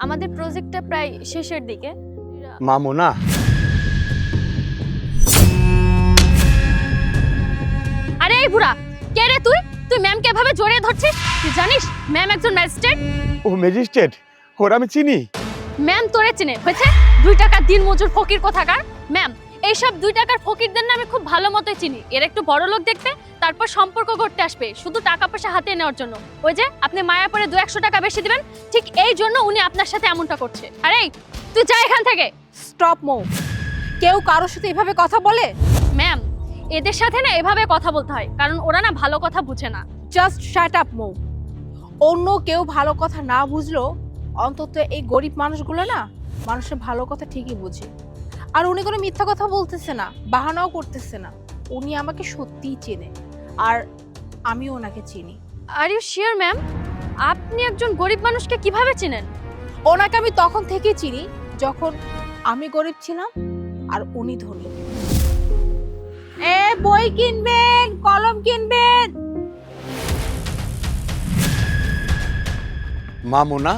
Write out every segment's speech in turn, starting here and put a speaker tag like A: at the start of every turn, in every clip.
A: আমাদের প্রজেক্টটা প্রায় শেষের দিকে।
B: মামুনা,
A: আরে এই বুড়া, কে রে তুই? তুই ম্যামকে এভাবে জড়িয়ে ধরছিস? তুই জানিস ম্যাম একজন ম্যাজিস্ট্রেট।
B: ও ম্যাজিস্ট্রেট, ওর আমি চিনি।
A: ম্যাম তোরে চিনে হয়েছে? 2 টাকার দিনমজুর ফকির কোথাকার। ম্যাম এইসব 2 টাকার ফকিরদের না আমি খুব ভালো মতোই চিনি। এর একটু বড় লোক দেখতে, তারপর সম্পর্ক করতে আসবে শুধু টাকা পয়সা হাতে নেওয়ার জন্য। ওই যে আপনি মায়া পরে 200 টাকা বেশি দিবেন, ঠিক এই জন্য উনি আপনার সাথে এমনটা করছে। আরে তুই যা এখান থেকে।
C: স্টপ মো। কেউ কারোর সাথে এভাবে কথা বলে?
A: ম্যাম এদের সাথে না এভাবে কথা বলতে হয়, কারণ ওরা না ভালো কথা বুঝে না।
C: জাস্ট শাট আপ মো। অন্য কেউ ভালো কথা না বুঝলো অন্তত এই গরিব মানুষগুলো না মানুষের ভালো কথা ঠিকই বুঝে। আর উনি কোনো মিথ্যা কথা বলতেছে না, বাহানাও করতেছে না। উনি আমাকে সত্যিই চেনে, আর আমি ওনাকে চিনি।
A: Are you sure ma'am? আপনি একজন গরিব মানুষকে কিভাবে চেনেন?
C: ওনাকে আমি তখন থেকেই চিনি যখন আমি গরিব ছিলাম আর উনি ধনী। বই কিনবেন, কলম কিনবেন।
B: মামুনা,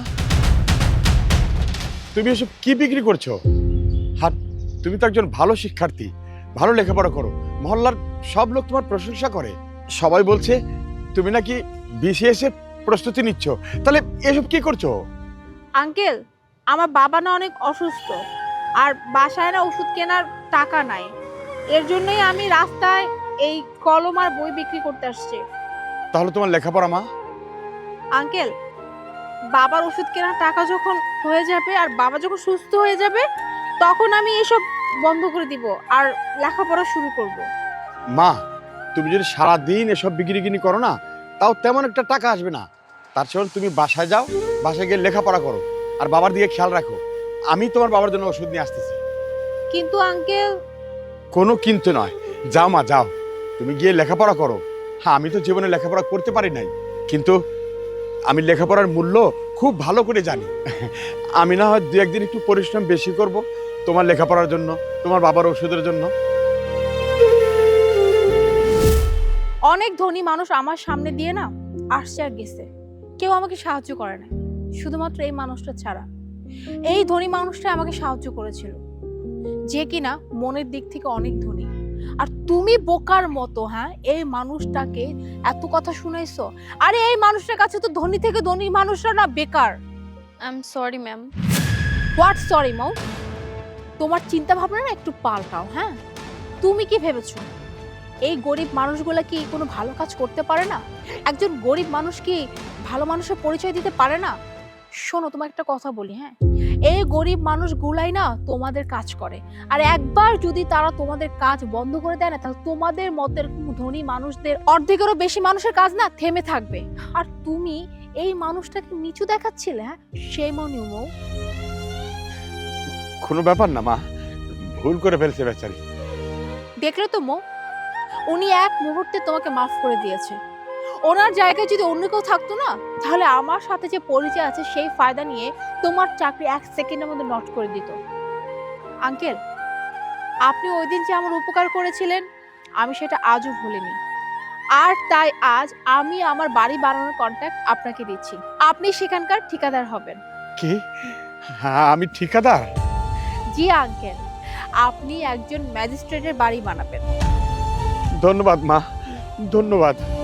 B: তুমি এসব কি বিক্রি করছো? আর তুমি তো একজন ভালো শিক্ষার্থী, ভালো লেখাপড়া করো, মহল্লার সব লোক তোমার প্রশংসা করে। সবাই বলছে তুমি নাকি বিসিএস এর প্রস্তুতি নিচ্ছ, তাহলে এসব কি করছো?
C: আঙ্কেল, আমার বাবা না অনেক অসুস্থ, আর বাসায় না ওষুধ কেনার টাকা নাই। এর জন্যই আমি রাস্তায় এই কলম আর বই বিক্রি করতে আসছি।
B: তাহলে তোমার লেখাপড়া মা?
C: আঙ্কেল, বাবার ওষুধ কেনার টাকা যখন হয়ে যাবে আর বাবা যখন সুস্থ হয়ে যাবে তখন আমি এসব বন্ধ করে দিব আর লেখাপড়া শুরু করব।
B: মা, তুমি যদি সারাদিন এসব বিক্রি করো না, তাও তেমন একটা টাকা আসবে না। তার চেয়ে তুমি বাসায় যাও, বাসায় গিয়ে লেখাপড়া করো আর বাবার দিকে খেয়াল রাখো। আমি তোমার বাবার জন্য ওষুধ নিয়ে আসতেছি।
C: কিন্তু আঙ্কেল।
B: কোনো কিন্তু নয়, যাও মা যাও, তুমি গিয়ে লেখাপড়া করো। হ্যাঁ, আমি তো জীবনে লেখাপড়া করতে পারি নাই, কিন্তু আমি লেখাপড়ার মূল্য খুব ভালো করে জানি। আমি না হয় 2-1 দিন একটু পরিশ্রম বেশি করব তোমার লেখাপড়ার জন্য, তোমার বাবার ওষুধের জন্য।
C: অনেক ধনী মানুষ আমার সামনে দিয়ে না আসছে আর গেছে, কেউ আমাকে সাহায্য করে না, শুধুমাত্র এই মানুষটা ছাড়া। এই ধনী মানুষটা আমাকে সাহায্য করেছিল, যে কিনা মনের দিক থেকে অনেক ধনী। আর তুমি বোকার মতো এই মানুষটাকে এত কথা শুনাইছো। আরে এই মানুষটার কাছে তো ধনী থেকে ধনী মানুষরা না বেকার।
A: I am sorry ma'am.
C: What sorry Mou? তোমার চিন্তা ভাবনা না একটু পাল্টাও। তুমি কি ভেবেছো এই গরিব মানুষগুলা কি কোনো ভালো কাজ করতে পারে না? একজন গরিব মানুষ কি ভালো মানুষের পরিচয় দিতে পারে না? শোনো, তোমার একটা কথা বলি। এই গরিব মানুষগুলাই না তোমাদের কাজ করে, আর একবার যদি তারা তোমাদের কাজ বন্ধ করে দেয় না, তাহলে তোমাদের মতের ধনী মানুষদের অর্ধেকেরও বেশি মানুষের কাজ না থেমে থাকবে। আর তুমি এই মানুষটাকে নিচু দেখাচ্ছিলে। সেই মনে মৌ।
B: কোনো ব্যাপার না মা, ভুল করে ফেলছে বেচারি।
C: দেখলে তো মৌ, উনি এক মুহূর্তে তোমাকে মাফ করে দিয়েছে। ওনার জায়গায় যদি অন্য কেউ থাকতো না, তাহলে আমার সাথে যে পরিচয় আছে সেই ফায়দা নিয়ে তোমার চাকরি 1 সেকেন্ডের মধ্যে নট করে দিত। আঙ্কেল, আপনি ওই দিন যে আমার উপকার করেছিলেন, আমি সেটা আজও ভুলিনি। আর তাই আজ আমি আমার বাড়ি বানানোর কন্ট্রাক্ট আপনাকে দিচ্ছি। আপনি সেখানকার ঠিকাদার হবেন।
B: কি? হ্যাঁ, আমি ঠিকাদার?
C: জি আঙ্কেল, আপনি একজন ম্যাজিস্ট্রেটের বাড়ি বানাবেন।
B: ধন্যবাদ মা, ধন্যবাদ।